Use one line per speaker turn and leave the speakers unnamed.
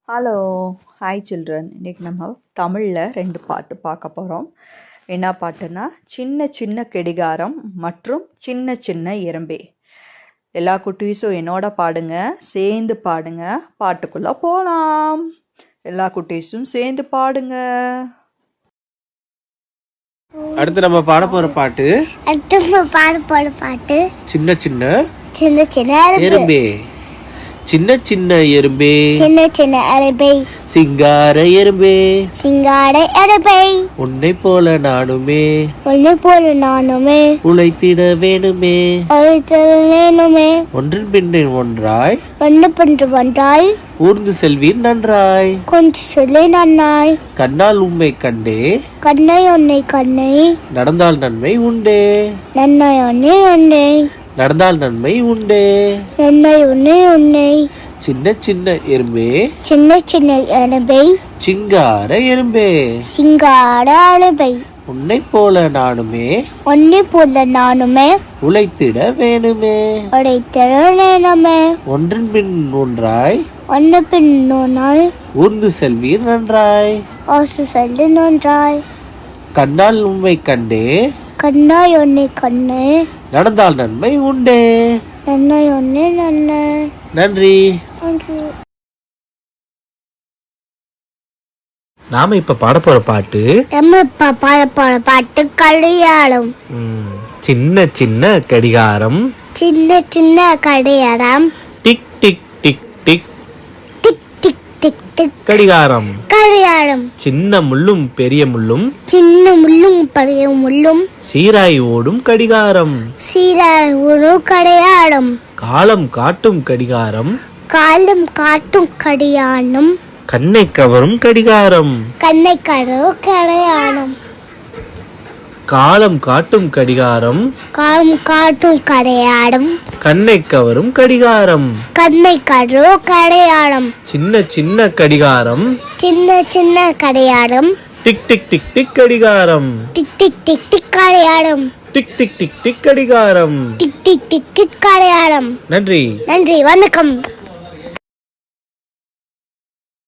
Hello, hi children. இன்றைக்கி நம்ம தமிழில் 2 பாட்டு பார்க்க போகிறோம். என்ன பாட்டுன்னா, சின்ன சின்ன கடிகாரம் மற்றும் சின்ன சின்ன எறும்பே. எல்லா குட்டீஸும் என்னோட பாடுங்க, சேர்ந்து பாடுங்க. பாட்டுக்குள்ளே போகலாம். எல்லா குட்டீஸும் சேர்ந்து பாடுங்க.
அடுத்து நம்ம பாட போற பாட்டு சின்ன சின்ன
சின்ன சின்ன
எறும்பே. சின்ன சின்ன எறும்பே,
சின்ன சின்ன எறும்பே,
சிங்கார எறும்பே,
சிங்கார எறும்பே,
உன்னை போல நானுமே,
உன்னை போல நானுமே,
உழைத்திட வேணுமே,
உழைத்திட வேணுமே,
ஒன்றின் பின்னின் ஒன்றாய்,
ஒன்று பின்று ஒன்றாய்,
ஊர்ந்து செல்வீர் நன்றாய்,
கொஞ்சம் சொல்லி நன்னாய்,
கண்ணால் உம்மை கண்டே,
கண்ணை உன்னை கண்ணை,
நடந்தால் நன்மை உண்டே,
நன்மை உன்னை உன்னை,
நடந்தால் நன்மை உண்டே,
நன்மை உன்னை உன்னை,
சின்ன சின்ன எறும்பே,
சின்ன சின்ன எறும்பே,
சிங்கார எறும்பே,
சிங்கார எறும்பே,
உன்னை போல நானுமே,
உன்னை போல நானுமே,
உழைத்திட வேணுமே,
உழைத்திட வேணுமே,
ஒன்றின் பின் ஒன்றாய்,
ஒன்று பின் ஒன்றாய்,
ஊர்ந்து செல்வீர் நன்றாய்,
ஆசை சொல்லி நன்றாய்,
கண்ணால் உம்மை கண்டே,
கண்ணாய் உன்னை கண்ணு,
நடந்தால் நன்மை உண்டே.
நன்மை ஒன்னே நன்மை.
நன்றி.
நன்றி.
நாம இப்ப பாட போற பாட்டு
நம்ம இப்ப பாட போற பாட்டு கடிகாரம்.
சின்ன சின்ன கடிகாரம்,
சின்ன சின்ன கடிகாரம்,
tick tick tick tick
tick tick tick tick
கடிகாரம்.
கடிகாரம்.
சின்ன முள்ளும் பெரிய முள்ளும்,
சின்ன முள்ளும் பெரிய முள்ளும்,
சீராய் ஓடும் கடிகாரம்,
சீராய் ஒரு கடிகாரம்,
காலம் காட்டும் கடிகாரம்,
காலம் காட்டும் கடிகாரம்,
கண்ணை கவரும் கடிகாரம்,
கண்ணை கரு கடிகாரம்,
காலம் காட்டும் கடிகாரம்,
காலம் காட்டும் கடிகாரம்,
கண்ணை கவரும் கடிகாரம்,
கண்ணை கரு கடிகாரம்,
சின்ன சின்ன கடிகாரம்,
சின்ன சின்ன கடிகாரம்,
டிக் டிக் டிக் டிக் கடிகாரம்,
டிக் டிக் டிக் டிக் கடிகாரம்,
டிக் டிக் டிக் டிக் கடிகாரம்.
டிக் டிக் டிக் டிக் கடிகாரம்.
நன்றி.
நன்றி. வணக்கம்.